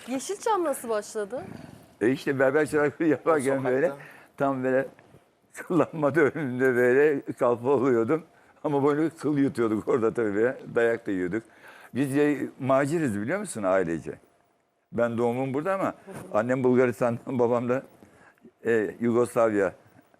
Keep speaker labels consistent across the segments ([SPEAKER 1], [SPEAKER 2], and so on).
[SPEAKER 1] Yeşilçam nasıl başladı?
[SPEAKER 2] İşte berber çıraklığı yaparken
[SPEAKER 3] sokakta.
[SPEAKER 2] böyle tam böyle kıllanma önünde böyle kalfa oluyordum. Ama böyle kıl yutuyorduk orada tabii böyle. Dayak da yiyorduk. Biz maciriz biliyor musun ailece? Ben doğumum burada ama annem Bulgaristan'dan, babam da Yugoslavya.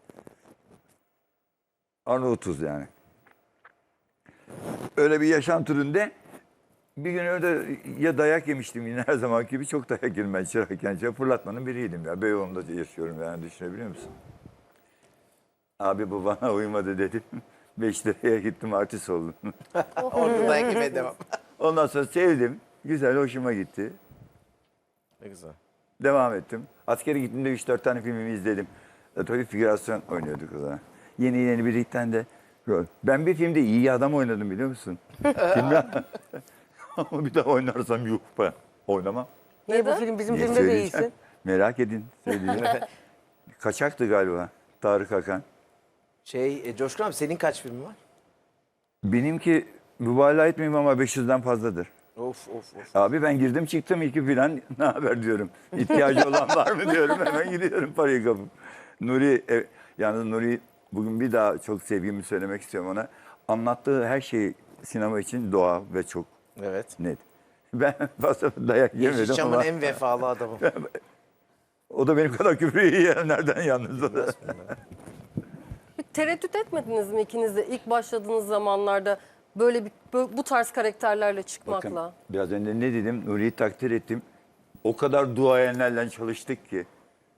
[SPEAKER 2] Arnavutuz yani. Öyle bir yaşam türünde bir gün öyle ya dayak yemiştim yine her zaman gibi çok dayak yedim ben çırakken. Fırlatmanın biriydim ya. Beyoğlu'nda yaşıyorum yani düşünebiliyor musun? Abi bu bana uymadı dedim. 5 liraya gittim artist oldum.
[SPEAKER 3] Orada dayak yemeye devam.
[SPEAKER 2] Ondan sonra sevdim. Güzel hoşuma gitti.
[SPEAKER 3] Ne güzel.
[SPEAKER 2] Devam ettim. Askere gittiğimde 3-4 tane filmimi izledim. Tabii figürasyon oynuyorduk o zaman. Yeni biritten de rol. Ben bir filmde iyi adam oynadım biliyor musun? Filmde ama bir daha oynarsam yuh be. Oynamam.
[SPEAKER 4] Niye bu film bizim
[SPEAKER 2] Niye
[SPEAKER 4] filmde
[SPEAKER 2] söyleyeceğim?
[SPEAKER 4] değilsin?
[SPEAKER 2] Merak edin. Söyleyeceğim. Kaçaktı galiba. Tarık Akan.
[SPEAKER 3] Coşkun abi senin kaç filmin var?
[SPEAKER 2] Benimki mübalağa etmeyeyim ama 500'den fazladır.
[SPEAKER 3] Of of of.
[SPEAKER 2] Abi ben girdim çıktım iki filan ne haber diyorum. İhtiyacı olan var mı diyorum hemen gidiyorum parayı kapıp. Nuri, yalnız Nuri bugün bir daha çok sevgimi söylemek istiyorum ona. Anlattığı her şey sinema için doğal ve çok
[SPEAKER 3] Evet.
[SPEAKER 2] net. Ben fazla dayak yemedim
[SPEAKER 3] Yeşilçam'ın
[SPEAKER 2] ama
[SPEAKER 3] en vefalı adamı.
[SPEAKER 2] o da benim kadar küfür yiyenlerden yalnız o da.
[SPEAKER 1] Bir tereddüt etmediniz mi ikiniz de ilk başladığınız zamanlarda böyle bu tarz karakterlerle çıkmakla?
[SPEAKER 2] Bakın biraz önce ne dedim Nuri'yi takdir ettim. O kadar duayenlerle çalıştık ki.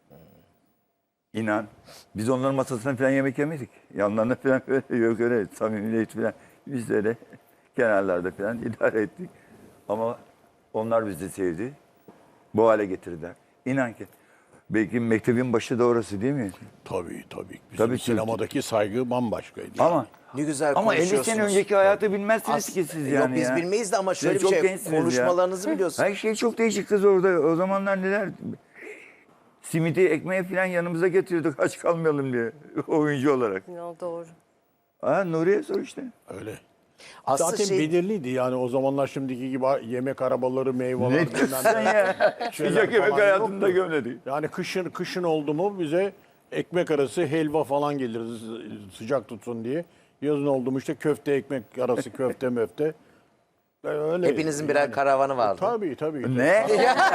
[SPEAKER 2] İnan. Biz onların masasına falan yemek yemedik. Yanlarına falan böyle yok öyle samimiyet falan. Biz de öyle kenarlarda falan idare ettik. Ama onlar bizi sevdi. Bu hale getirdiler. İnan ki. Belki mektebin başı da orası değil mi?
[SPEAKER 5] Tabii tabii. Bizim
[SPEAKER 2] Tabii,
[SPEAKER 5] sinemadaki saygı bambaşkaydı.
[SPEAKER 2] Ama
[SPEAKER 3] Ne güzel
[SPEAKER 2] ama 50
[SPEAKER 3] konuşuyorsunuz.
[SPEAKER 2] sene önceki hayatı bilmezsiniz ki siz yani.
[SPEAKER 3] Yok biz
[SPEAKER 2] ya.
[SPEAKER 3] bilmeyiz de ama şöyle
[SPEAKER 2] Siz
[SPEAKER 3] bir
[SPEAKER 2] çok
[SPEAKER 3] şey
[SPEAKER 2] gençsiniz ya.
[SPEAKER 3] konuşmalarınızı biliyorsun.
[SPEAKER 2] Her şey çok değişik kız orada. O zamanlar neler... Simidi, ekmeği falan yanımıza getiriyorduk aç kalmayalım diye oyuncu olarak.
[SPEAKER 1] Ya doğru.
[SPEAKER 2] Nuriye sor işte.
[SPEAKER 5] Öyle.
[SPEAKER 3] Aslında
[SPEAKER 5] Zaten belirliydi yani o zamanlar şimdiki gibi yemek arabaları, meyveler.
[SPEAKER 2] Ne diyorsun ya? Sıcak yemek hayatımda gömledik.
[SPEAKER 5] Yani kışın oldu mu bize ekmek arası helva falan gelir sıcak tutsun diye. Yazın oldu mu işte köfte ekmek arası köfte möfte. Öyle.
[SPEAKER 3] Hepinizin birer karavanı vardı.
[SPEAKER 5] Tabii.
[SPEAKER 2] Ne?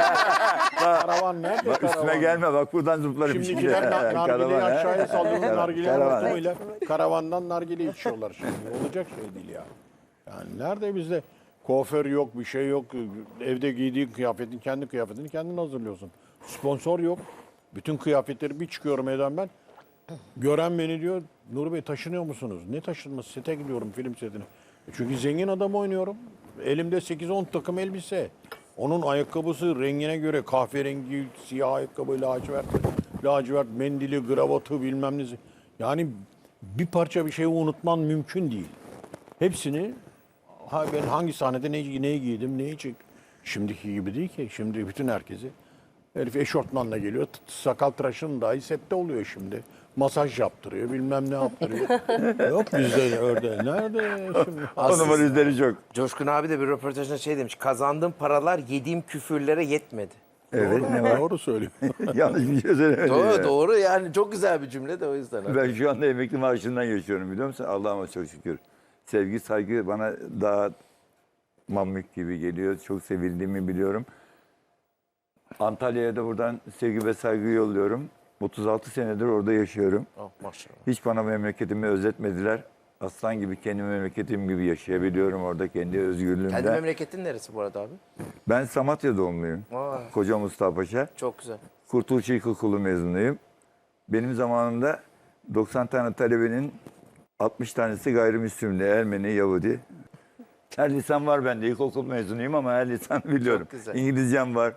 [SPEAKER 5] Karavan nerede?
[SPEAKER 2] Bak üstüme
[SPEAKER 5] karavan?
[SPEAKER 2] gelme bak buradan zıplarım şimdi.
[SPEAKER 5] Şimdikiler nargileyi
[SPEAKER 2] Karavan, he?
[SPEAKER 5] aşağıya sallıyor. Nargilenin
[SPEAKER 2] Karavan, he?
[SPEAKER 5] ortamıyla karavandan nargile içiyorlar şimdi. Olacak şey değil ya. Yani nerede bizde kuaför yok, bir şey yok. Evde giydiğin kıyafetin, kendi kıyafetini kendin hazırlıyorsun. Sponsor yok. Bütün kıyafetleri bir çıkıyorum evden ben. Gören beni diyor, Nuri Bey taşınıyor musunuz? Ne taşınması? Sete gidiyorum film setine. Çünkü zengin adam oynuyorum. Elimde 8-10 takım elbise. Onun ayakkabısı rengine göre kahverengi, siyah ayakkabı, lacivert mendili, gravatı bilmem nesi. Yani bir parça bir şeyi unutman mümkün değil. Hepsini ben hangi sahnede neyi giydim, neyi çektim. Şimdiki gibi değil ki. Şimdi bütün herkesi herif eşortmanla geliyor. Sakal tıraşın dahi sette oluyor şimdi. Masaj yaptırıyor, bilmem ne yaptırıyor. Yok bizde öyle. Nerede şimdi?
[SPEAKER 2] O numara izleri çok.
[SPEAKER 3] Coşkun abi de bir röportajında şey demiş. Kazandığım paralar yediğim küfürlere yetmedi.
[SPEAKER 2] Evet ne var?
[SPEAKER 5] Doğru söylüyor.
[SPEAKER 2] Yanlış bir şey söylemedim.
[SPEAKER 3] Doğru
[SPEAKER 2] ya.
[SPEAKER 3] doğru yani çok güzel bir cümle de o yüzden.
[SPEAKER 2] Ben şu anda emekli maaşından yaşıyorum biliyor musun? Allah'ıma çok şükür. Sevgi, saygı bana daha mamuk gibi geliyor. Çok sevildiğimi biliyorum. Antalya'ya da buradan sevgi ve saygı yolluyorum. 36 senedir orada yaşıyorum.
[SPEAKER 3] Oh, maşallah.
[SPEAKER 2] Hiç bana memleketimi özetmediler. Aslan gibi kendi memleketim gibi yaşayabiliyorum orada kendi özgürlüğümde.
[SPEAKER 3] Kendi memleketin neresi bu arada abi?
[SPEAKER 2] Ben Samatya doğumluyum.
[SPEAKER 3] Aa,
[SPEAKER 2] Koca Mustafa Paşa.
[SPEAKER 3] çok güzel.
[SPEAKER 2] Kurtuluş İlkokulu mezunuyum. Benim zamanımda 90 tane talebenin 60 tanesi gayrimüslimdi. Ermeni, Yahudi. Her lisan var bende. İlkokul mezunuyum ama her lisan biliyorum.
[SPEAKER 3] Çok güzel.
[SPEAKER 2] İngilizcem var.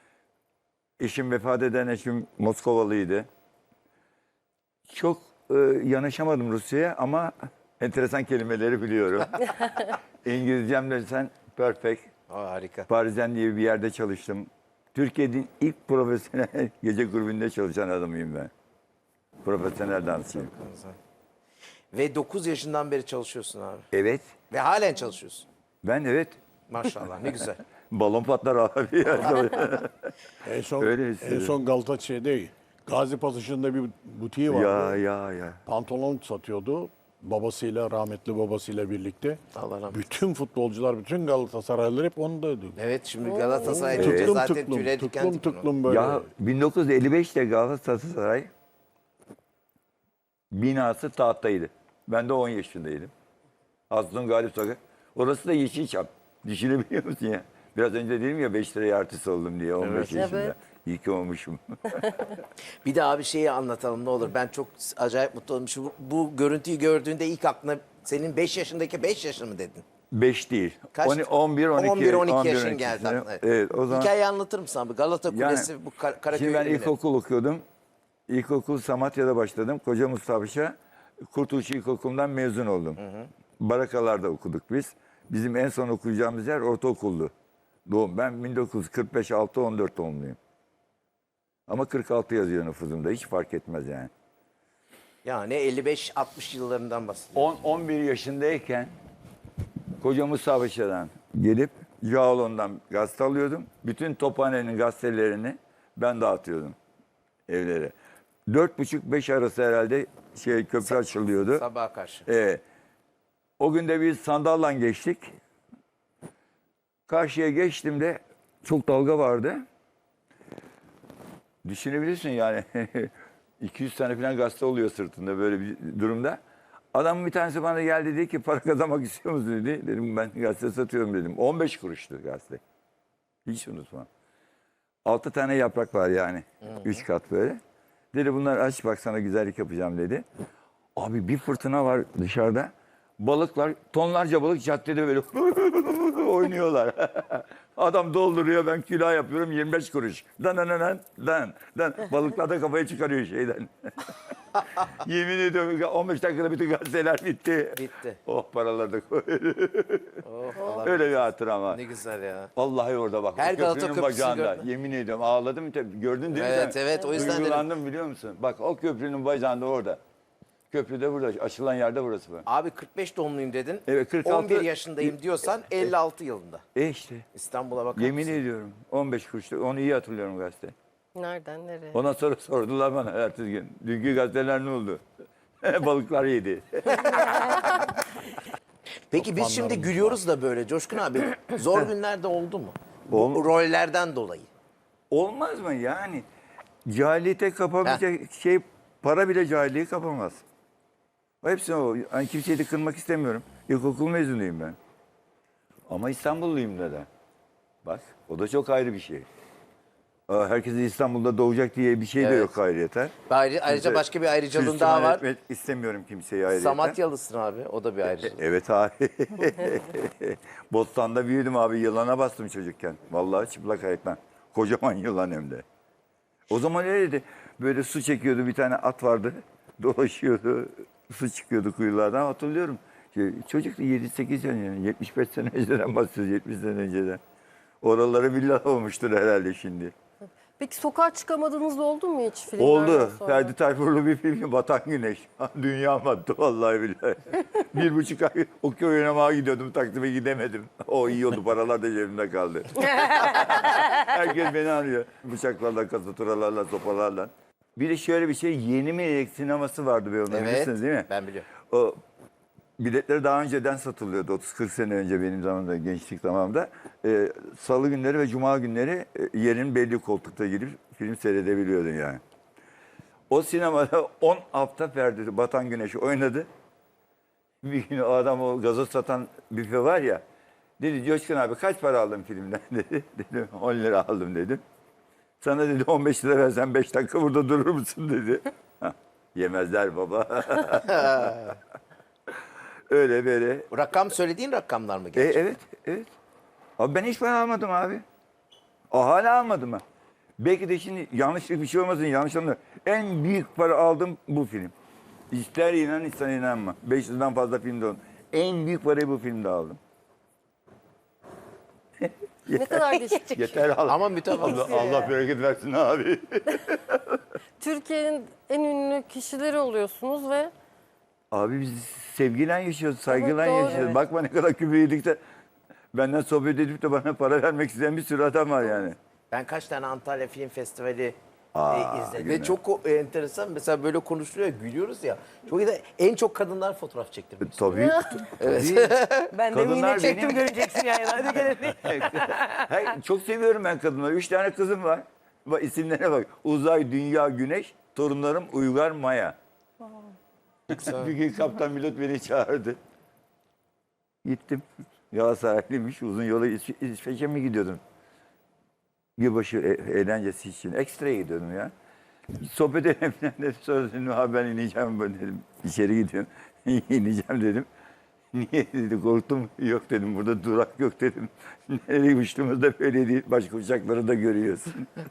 [SPEAKER 2] Eşim vefat eden eşim Moskovalıydı. Çok yanaşamadım Rusya'ya ama enteresan kelimeleri biliyorum. İngilizcem desen perfect.
[SPEAKER 3] Aa, harika.
[SPEAKER 2] Paris'ten diye bir yerde çalıştım. Türkiye'nin ilk profesyonel gece kulübünde çalışan adamıyım ben. Profesyonel dansçıyım.
[SPEAKER 3] Güzel. Ve 9 yaşından beri çalışıyorsun abi.
[SPEAKER 2] Evet.
[SPEAKER 3] Ve halen çalışıyorsun.
[SPEAKER 2] Ben evet.
[SPEAKER 3] Maşallah ne güzel.
[SPEAKER 2] Balon patlar abi. Ya.
[SPEAKER 5] En son,
[SPEAKER 2] Öyle
[SPEAKER 5] en
[SPEAKER 2] hissediyorum.
[SPEAKER 5] son Galatasaray'da Gazi Pasajı'nda bir butiği vardı.
[SPEAKER 2] ya.
[SPEAKER 5] Pantolon satıyordu. Babasıyla, rahmetli babasıyla birlikte.
[SPEAKER 3] Allah rahmet
[SPEAKER 5] Bütün futbolcular, bütün Galatasaraylılar hep ondaydı.
[SPEAKER 3] Evet, şimdi Galatasaray deyince
[SPEAKER 5] Tıklım
[SPEAKER 3] zaten
[SPEAKER 5] tıklım,
[SPEAKER 3] tüyleri diken
[SPEAKER 5] tıklım
[SPEAKER 3] diken oldu.
[SPEAKER 5] tıklım böyle.
[SPEAKER 2] Ya 1955'te Galatasaray binası tahttaydı. Ben de 10 yaşındaydım. Aslım Galip Sokak. Orası da Yeşilçam. Düşünebiliyor musun ya? Biraz önce dedim ya 5 liraya artist oldum diye 15 yaşında.
[SPEAKER 1] Evet.
[SPEAKER 2] İyi ki olmuşum.
[SPEAKER 3] Bir daha bir şeyi anlatalım ne olur. Ben çok acayip mutlu oldum. Bu görüntüyü gördüğünde ilk aklına senin 5 yaşındaki 5 yaşın mı dedin?
[SPEAKER 2] 5 değil.
[SPEAKER 3] Kaç?
[SPEAKER 2] 11, 12.
[SPEAKER 3] 11-12 yaşın geldi
[SPEAKER 2] sene.
[SPEAKER 3] aklına.
[SPEAKER 2] Evet, o zaman.
[SPEAKER 3] Hikayeyi anlatır mısın abi? Galata Kulesi bu Karaköy.
[SPEAKER 2] Şimdi ben ilkokul okuyordum. İlkokul Samatya'da başladım. Koca Mustafa Paşa Kurtuluş İlkokulu'ndan mezun oldum. Barakalarda okuduk biz. Bizim en son okuyacağımız yer ortaokuldu. Doğum. Ben 1945 6-14 doğumluyum. Ama 46 yazıyor nüfuzumda. Hiç fark etmez yani.
[SPEAKER 3] Yani 55-60 yıllarından bahsediyorum.
[SPEAKER 2] 11 yaşındayken Koca Mustafa Paşa'dan gelip Cağaloğlu'ndan gazete alıyordum. Bütün Tophane'nin gazetelerini ben dağıtıyordum evlere. 4.30-5 arası herhalde köprü açılıyordu.
[SPEAKER 3] Sabaha karşı.
[SPEAKER 2] O gün de biz sandalla geçtik. Karşıya geçtiğimde çok dalga vardı. Düşünebilirsin yani 200 tane falan gazete oluyor sırtında böyle bir durumda. Adamın bir tanesi bana geldi dedi ki para kazanmak istiyor musun dedi. Dedim ben gazete satıyorum dedim. 15 kuruştu gazete. Hiç unutmam. 6 tane yaprak var yani. 3 kat böyle. Dedi bunlar aç bak sana güzellik yapacağım dedi. Abi bir fırtına var dışarıda. Balıklar, tonlarca balık caddede böyle oynuyorlar. Adam dolduruyor, ben külah yapıyorum 25 kuruş. Dan. Balıklar da kafayı çıkarıyor şeyden. Yemin ediyorum 15 dakikada bütün gazeteler bitti.
[SPEAKER 3] Bitti.
[SPEAKER 2] Oh paraları da koy.
[SPEAKER 3] Oh, Allah
[SPEAKER 2] Öyle bir hatıra ama.
[SPEAKER 3] ne güzel ya.
[SPEAKER 2] Vallahi orada bak.
[SPEAKER 3] Her
[SPEAKER 2] o
[SPEAKER 3] Galata
[SPEAKER 2] köprünün
[SPEAKER 3] Köprüsü'nü
[SPEAKER 2] bacağında.
[SPEAKER 3] gördün.
[SPEAKER 2] Yemin ediyorum ağladım. Tabii. Gördün değil mi
[SPEAKER 3] Evet,
[SPEAKER 2] sen?
[SPEAKER 3] evet, o yüzden dedim.
[SPEAKER 2] Duygulandım biliyor musun? Bak o köprünün bacağında orada. Köprü de burada. Açılan yerde burası.
[SPEAKER 3] Abi 45 doğumluyum dedin.
[SPEAKER 2] Evet, 46
[SPEAKER 3] 11 yaşındayım diyorsan 56 yılında.
[SPEAKER 2] İşte.
[SPEAKER 3] İstanbul'a bakar
[SPEAKER 2] Yemin
[SPEAKER 3] mısın?
[SPEAKER 2] ediyorum. 15 kuruştu. Onu iyi hatırlıyorum gazete.
[SPEAKER 1] Nereden nereye?
[SPEAKER 2] Ondan sonra sordular bana ertesi gün. Dünkü gazeteler ne oldu? Balıklar yedi.
[SPEAKER 3] Peki biz şimdi gülüyoruz da böyle Coşkun abi. Zor günlerde oldu mu? Bu rollerden dolayı.
[SPEAKER 2] Olmaz mı yani? Cahiliyete kapabilecek şey para bile cahilliği kapamaz. O hepsi o. Yani kimseyi de kırmak istemiyorum. İlkokul mezunuyum ben. Ama İstanbulluyum da. Bak o da çok ayrı bir şey. Herkesin İstanbul'da doğacak diye bir şey de
[SPEAKER 3] Evet.
[SPEAKER 2] yok ayrıyeten.
[SPEAKER 3] Ayrıca başka bir ayrıcalığın daha
[SPEAKER 2] Suistimal
[SPEAKER 3] var.
[SPEAKER 2] etmek istemiyorum kimseyi ayrıyeten.
[SPEAKER 3] Samatyalısın abi. O da bir ayrıcalık.
[SPEAKER 2] Evet abi. Bostan'da büyüdüm abi. Yılana bastım çocukken. Vallahi çıplak ayaktan. Kocaman yılan hem de. O zaman öyleydi. Böyle su çekiyordu. Bir tane at vardı. Dolaşıyordu. Su çıkıyordu kuyulardan. Hatırlıyorum. Çocuktu 7-8 sene. 75 sene önceden bahsediyoruz. 70 sene önceden. Oraları villa olmuştur herhalde şimdi.
[SPEAKER 1] Peki sokağa çıkamadığınız oldu mu hiç filmlerden
[SPEAKER 2] Oldu.
[SPEAKER 1] sonra?
[SPEAKER 2] Ferdi Tayfurlu bir film Batan Güneş. Dünya battı vallahi billahi. 1,5 ay okey oynamaya gidiyordum. Taksim'e gidemedim. O iyi oldu. Paralar da cebimde kaldı. Herkes beni arıyor. Bıçaklarla, kasaturalarla, sopalarla. Bir de şöyle bir şey. Yeni Melek sineması vardı be onda.
[SPEAKER 3] Evet.
[SPEAKER 2] Bilirsiniz değil mi?
[SPEAKER 3] Ben biliyorum.
[SPEAKER 2] O biletleri daha önceden satılıyordu. 30-40 sene önce benim zamanımda, gençlik zamanımda. Salı günleri ve cuma günleri yerin belli koltukta girip film seyredebiliyordun yani. O sinemada 10 hafta Ferdi Batan Güneş oynadı. Bir gün o adam o gazoz satan büfe var ya. Dedi Coşkun abi kaç para aldın filmden dedi. Dedim 10 lira aldım dedim. Sana dedi 15 lira versen 5 dakika burada durur musun dedi. Yemezler baba. Öyle böyle.
[SPEAKER 3] Rakam söylediğin rakamlar mı gerçekten?
[SPEAKER 2] Evet. Abi ben hiç para almadım abi. Hala almadım ha. Belki de şimdi yanlışlık bir şey olmasın, yanlış anlama. En büyük para aldım bu film. İster inan ister inanma. 500'den fazla filmde oldu. En büyük parayı bu filmde aldım.
[SPEAKER 1] Ne kadar değişik.
[SPEAKER 2] Yeter Allah.
[SPEAKER 3] Ama mütevazı.
[SPEAKER 2] Allah bereket versin abi.
[SPEAKER 1] Türkiye'nin en ünlü kişileri oluyorsunuz ve
[SPEAKER 2] Abi biz sevgiyle yaşıyoruz, saygıyla
[SPEAKER 1] Evet, doğru.
[SPEAKER 2] yaşıyoruz.
[SPEAKER 1] Evet.
[SPEAKER 2] Bakma ne kadar küfür yedik de. Benden sohbet edip de bana para vermek isteyen bir sürü adam var yani.
[SPEAKER 3] Ben kaç tane Antalya Film Festivali izledim. Ve
[SPEAKER 2] günah.
[SPEAKER 3] çok enteresan. Mesela böyle konuşuluyor, gülüyoruz ya. Çok iyi de en çok kadınlar fotoğraf çektirmiş.
[SPEAKER 2] Tabii.
[SPEAKER 4] Ben de yine
[SPEAKER 2] Kadınlar
[SPEAKER 4] çektim
[SPEAKER 2] benim-
[SPEAKER 4] göreceksin yani. Hadi gelelim.
[SPEAKER 2] Hayır, çok seviyorum ben kadınları. 3 tane kızım var. Bak isimlerine bak. Uzay, Dünya, Güneş. Torunlarım Uygar, Maya. Bir gün kaptan pilot beni çağırdı. Gittim. Galatasaraylıymış. Uzun yola İsveç'e mi gidiyordum? Yılbaşı eğlencesi için. Ekstra'ya gidiyordum ya. Sohbet edelim dedim. Sonra dedim abi ben ineceğim ben dedim. İçeri gidiyorum. İneceğim dedim. Niye dedi korktum. Yok dedim burada durak yok dedim. Nereye uçtuğumuzda böyle değil. Başka uçakları da görüyorsun.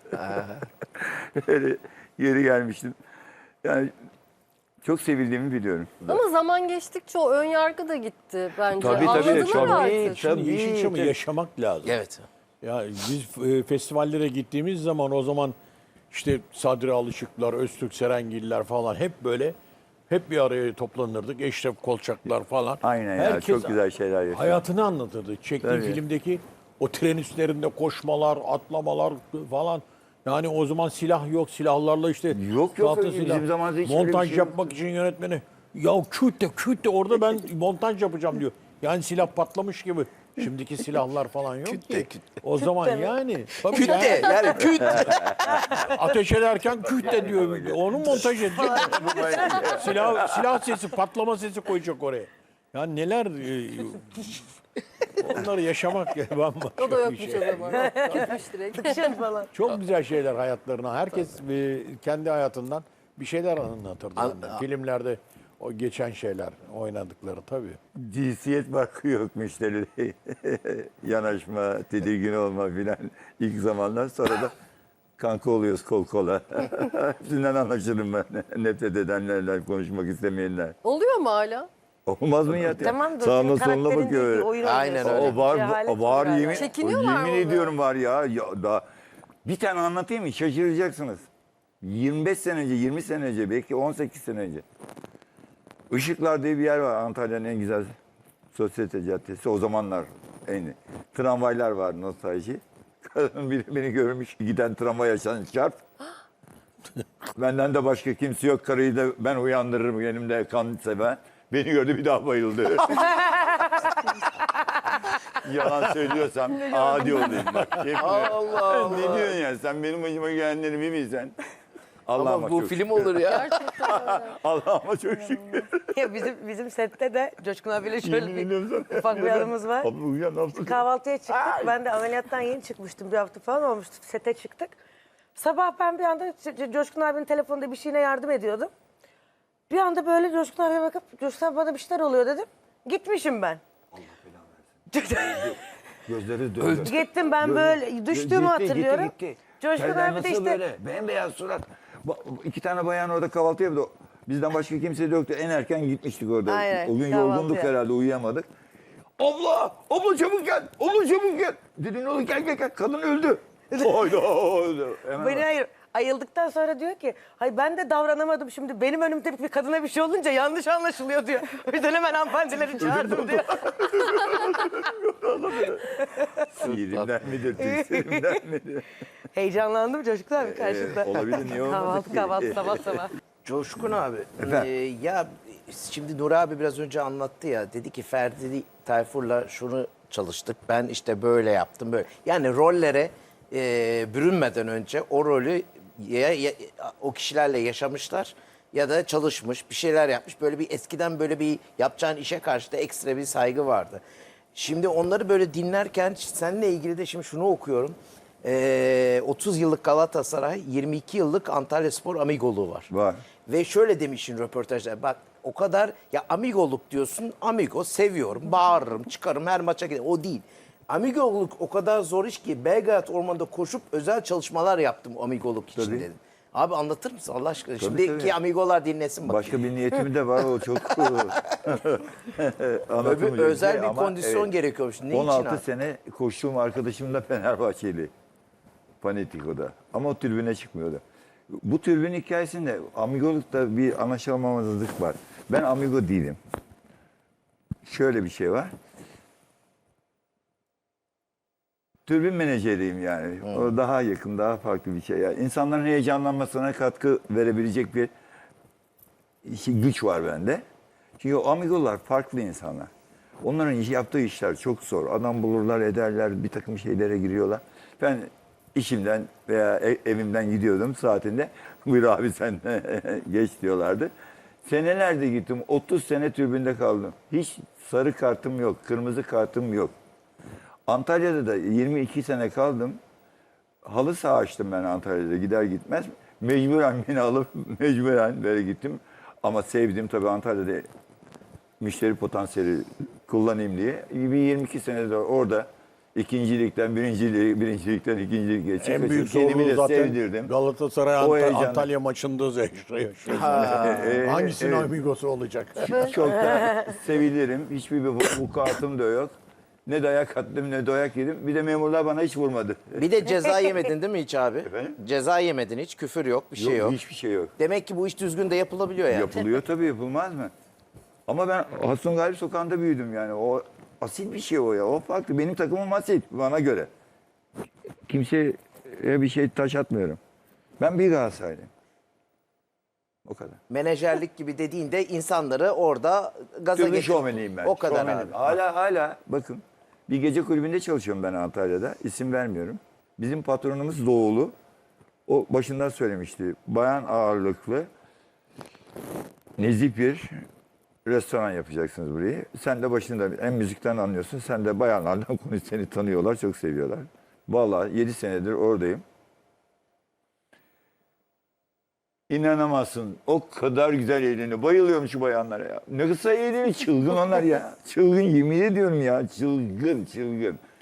[SPEAKER 2] Öyle geri gelmiştim. Yani çok sevildiğimi biliyorum.
[SPEAKER 1] Ama zaman geçtikçe o ön yargı da gitti bence.
[SPEAKER 2] Tabii, tabii,
[SPEAKER 1] Anladılar
[SPEAKER 2] tabii.
[SPEAKER 1] artık.
[SPEAKER 5] Şimdi Yeşilçam'ı yaşamak lazım.
[SPEAKER 3] Evet.
[SPEAKER 5] Ya biz festivallere gittiğimiz zaman o zaman işte Sadri Alışıklar, Öztürk Serengiller falan hep bir araya toplanırdık. Eşref Kolçaklar falan.
[SPEAKER 2] Aynen ya
[SPEAKER 5] Herkes
[SPEAKER 2] çok güzel şeyler yaşadım.
[SPEAKER 5] hayatını anlatırdı. Çektiği
[SPEAKER 2] Tabii.
[SPEAKER 5] filmdeki o tren üstlerinde koşmalar, atlamalar falan. Yani o zaman silah yok. Silahlarla işte
[SPEAKER 2] Yok,
[SPEAKER 5] tahta
[SPEAKER 2] bizim
[SPEAKER 5] silah.
[SPEAKER 2] zamanımızda hiç öyle bir
[SPEAKER 5] montaj
[SPEAKER 2] şey yok.
[SPEAKER 5] yapmak için yönetmeni ya küt de orada ben montaj yapacağım diyor. Yani silah patlamış gibi. Şimdiki silahlar falan yok ki. O zaman yani. Tabii
[SPEAKER 3] Küt de yani küt.
[SPEAKER 5] ateş ederken küt de diyor. Onu montaj edecek. silah sesi, patlama sesi koyacak oraya. Ya neler onları yaşamak ya bambaşka
[SPEAKER 1] O da
[SPEAKER 5] bir
[SPEAKER 1] yokmuş
[SPEAKER 5] şey.
[SPEAKER 1] o zaman. Gitmiş direkt.
[SPEAKER 4] Şey falan.
[SPEAKER 5] Çok güzel şeyler hayatlarına. Herkes kendi hayatından bir şeyler anlatırdı. benden. Filmlerde o geçen şeyler oynadıkları tabii.
[SPEAKER 2] Cinsiyet farkı yok müşteride. Yanaşma, tedirgin olma filan ilk zamanlar. Sonra da kanka oluyoruz kol kola. Hepsinden anlaşırım ben. Nefret edenlerle, konuşmak istemeyenler.
[SPEAKER 1] Oluyor mu hala?
[SPEAKER 2] Olmaz mı ya?
[SPEAKER 4] Tamam da
[SPEAKER 2] Sağına
[SPEAKER 4] senin
[SPEAKER 2] soluna
[SPEAKER 4] karakterin
[SPEAKER 2] bakıyor.
[SPEAKER 4] değil,
[SPEAKER 2] öyle.
[SPEAKER 4] oyun
[SPEAKER 3] Aynen
[SPEAKER 4] oynuyorsun.
[SPEAKER 3] öyle.
[SPEAKER 2] O var,
[SPEAKER 4] Cehalet
[SPEAKER 2] o var
[SPEAKER 4] galiba.
[SPEAKER 2] yemin,
[SPEAKER 1] Çekiniyorlar
[SPEAKER 2] yemin
[SPEAKER 1] mı
[SPEAKER 2] ediyorum var ya. Daha bir tane anlatayım mı? Şaşıracaksınız. 25 sene önce, 20 sene önce, belki 18 sene önce. Işıklar diye bir yer var. Antalya'nın en güzel sosyete caddesi. O zamanlar en iyi. Tramvaylar var nostalji. Kadın biri beni görmüş giden tramvay açan çarp. Benden de başka kimse yok. Karıyı da ben uyandırırım yanımda kan seven. Beni gördü bir daha bayıldı. Yalan söylüyorsam adi olayım bak.
[SPEAKER 3] Allah
[SPEAKER 2] Ne diyorsun ya? Sen benim başıma gelenleri bilmiyorsan. Allah'ıma
[SPEAKER 3] Ama bu
[SPEAKER 2] çok
[SPEAKER 3] film olur ya.
[SPEAKER 2] Allah'ıma çok şükür.
[SPEAKER 4] Ya bizim sette de Coşkun abiyle şöyle
[SPEAKER 2] Yemin
[SPEAKER 4] bir
[SPEAKER 2] ediyorum sana.
[SPEAKER 4] ufak bir anımız var.
[SPEAKER 2] Abla uyan abla.
[SPEAKER 4] Kahvaltıya çıktık. Ben de ameliyattan yeni çıkmıştım. Bir hafta falan olmuştu. Sete çıktık. Sabah ben bir anda Coşkun abinin telefonunda bir şeyine yardım ediyordum. Bir anda böyle Coşkun abiye bakıp Coşkun abi bana bir şeyler oluyor dedim. Gitmişim ben.
[SPEAKER 2] Gözleri döndü.
[SPEAKER 4] Gittim ben böyle düştüğümü hatırlıyorum. Coşkun
[SPEAKER 2] Senden
[SPEAKER 4] abi de
[SPEAKER 2] nasıl
[SPEAKER 4] işte
[SPEAKER 2] böyle? Bembeyaz surat. İki tane bayan orada kahvaltı yapıyordu. Bizden başka kimse de yoktu. En erken gitmiştik orada.
[SPEAKER 4] Aynen,
[SPEAKER 2] O gün
[SPEAKER 4] kahvaltıya.
[SPEAKER 2] yorgunduk herhalde uyuyamadık. Abla çabuk gel. Abla çabuk gel. Dedim oğlum gel. Kadın öldü. Hayda. Hemen
[SPEAKER 4] beni ayıldıktan sonra diyor ki hayır ben de davranamadım şimdi benim önümde bir kadına bir şey olunca yanlış anlaşılıyor diyor. O yüzden hemen hanımefendileri çağırdım diyor.
[SPEAKER 2] Sihirimden midir, tüksürimden midir?
[SPEAKER 4] Heyecanlandım Coşkun abi karşında.
[SPEAKER 2] Olabilir, niye olmasın ki?
[SPEAKER 4] Kahvaltı sabah sabah.
[SPEAKER 3] Coşkun abi.
[SPEAKER 2] Efendim?
[SPEAKER 3] Ya şimdi Nuri abi biraz önce anlattı ya. Dedi ki Ferdi Tayfur'la şunu çalıştık. Ben işte böyle yaptım böyle. Yani rollere bürünmeden önce o rolü o kişilerle yaşamışlar ya da çalışmış bir şeyler yapmış. Böyle bir eskiden böyle bir yapacağın işe karşı da ekstra bir saygı vardı. Şimdi onları böyle dinlerken seninle ilgili de şimdi şunu okuyorum. 30 yıllık Galatasaray, 22 yıllık Antalyaspor amigoluğu var.
[SPEAKER 2] Var.
[SPEAKER 3] Ve şöyle demişsin röportajda bak o kadar ya amigoluk diyorsun amigo seviyorum bağırırım çıkarım her maça giderim o değil. Amigoluk o kadar zor iş ki Belgrad Ormanı'nda koşup özel çalışmalar yaptım amigoluk için
[SPEAKER 2] Tabii.
[SPEAKER 3] dedim. Abi anlatır mısın Allah aşkına?
[SPEAKER 2] Tabii,
[SPEAKER 3] Şimdiki
[SPEAKER 2] tabii.
[SPEAKER 3] amigolar dinlesin bak.
[SPEAKER 2] Başka bir niyetim de var o çok anlatılmayacak
[SPEAKER 3] özel
[SPEAKER 2] şey
[SPEAKER 3] bir
[SPEAKER 2] ama
[SPEAKER 3] kondisyon gerekiyormuş. Ne için
[SPEAKER 2] 16
[SPEAKER 3] abi?
[SPEAKER 2] sene koştuğum arkadaşım da Fenerbahçeli. Panetiko'da. Ama o tribüne çıkmıyordu. Bu tribün hikayesinde amigolukta bir anlaşılmamazlık var. Ben amigo değilim. Şöyle bir şey var. Türbin menajeriyim yani. O daha yakın, daha farklı bir şey. Yani insanların heyecanlanmasına katkı verebilecek bir güç var bende. Çünkü o amigolar farklı insanlar. Onların yaptığı işler çok zor. Adam bulurlar, ederler, bir takım şeylere giriyorlar. Ben işimden veya evimden gidiyordum saatinde. Buyur abi sen geç diyorlardı. Senelerde gittim. 30 sene tribünde kaldım. Hiç sarı kartım yok, kırmızı kartım yok. Antalya'da da 22 sene kaldım. Halı saha açtım ben Antalya'da gider gitmez. Mecburen beni alıp mecburen böyle gittim. Ama sevdim tabii Antalya'da müşteri potansiyeli kullanayım diye. Bir 22 senedir orada ikincilikten birincilikten ikinciliğe çıkıp
[SPEAKER 5] En büyük
[SPEAKER 2] kendimi
[SPEAKER 5] zorluğu
[SPEAKER 2] de
[SPEAKER 5] zaten
[SPEAKER 2] sevdirdim.
[SPEAKER 5] Galatasaray
[SPEAKER 2] O heyecanı.
[SPEAKER 5] Antalya maçında yaşıyor. Hangisinin amigosu olacak?
[SPEAKER 2] Çok da sevilirim. Hiçbir vukuatım da yok. Ne dayak attım ne dayak yedim. Bir de memurlar bana hiç vurmadı.
[SPEAKER 3] Bir de ceza yemedin değil mi hiç abi?
[SPEAKER 2] Efendim?
[SPEAKER 3] Ceza yemedin hiç, küfür yok, bir şey yok.
[SPEAKER 2] Hiçbir şey yok.
[SPEAKER 3] Demek ki bu iş düzgün de yapılabiliyor yani.
[SPEAKER 2] Yapılıyor tabii, yapılmaz mı? Ama ben Hasan Galip Sokağı'nda büyüdüm yani. O asil bir şey o ya. O farklı. Benim takımım asil bana göre. Kimseye bir şey taş atmıyorum. Ben bir Galatasaraylıyım. O kadar.
[SPEAKER 3] Menajerlik gibi dediğinde insanları orada gaza
[SPEAKER 2] Türlü
[SPEAKER 3] getir.
[SPEAKER 2] şovmeniyim ben.
[SPEAKER 3] O kadar
[SPEAKER 2] Şovmenim.
[SPEAKER 3] abi.
[SPEAKER 2] Hala bakın. Bir gece kulübünde çalışıyorum ben Antalya'da. İsim vermiyorum. Bizim patronumuz Doğulu. O başından söylemişti. Bayan ağırlıklı nezih bir restoran yapacaksınız burayı. Sen de başında hem müzikten anlıyorsun. Sen de bayanlardan konuş, seni tanıyorlar, çok seviyorlar. Vallahi 7 senedir oradayım. İnanamazsın. O kadar güzel eğleniyor. Bayılıyorum şu bayanlara ya. Ne kısa eğleniyor. Çılgın onlar ya. Çılgın, yemin ediyorum ya. Çılgın.